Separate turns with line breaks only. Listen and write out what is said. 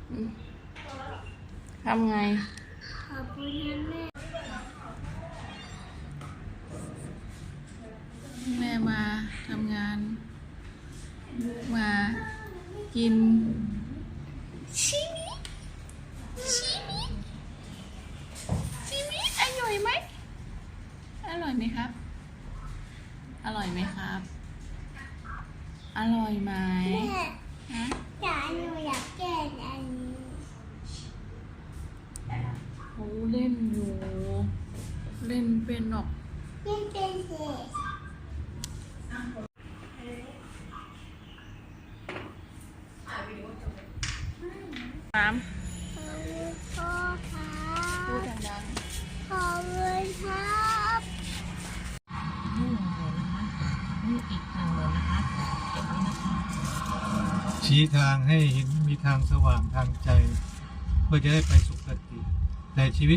ทำไง
ขอบคุณนะแม่
แม่มาทำงานมากินชิมิอร่อยไหมอร่อยไหมครับอร่อยไหมครับอร่อยไหม
แม่
ฮะ
หนูอยากแก้อันนี้
เขาเล่นอยู่เล่นเป็นหรอก
เล่นเป็นเสร็จ
น้ำ
ขอบคุณพ่อครั
พูด
บ
ดัง
ขอบคุณครับ
ๆนี่อีกหนึ่งเลยนะคะเก็บไว้นะคะ
ชี้ทางให้เห็นมีทางสว่างทางใจ เพื่อจะได้ไปสุคติแต่ชีวิต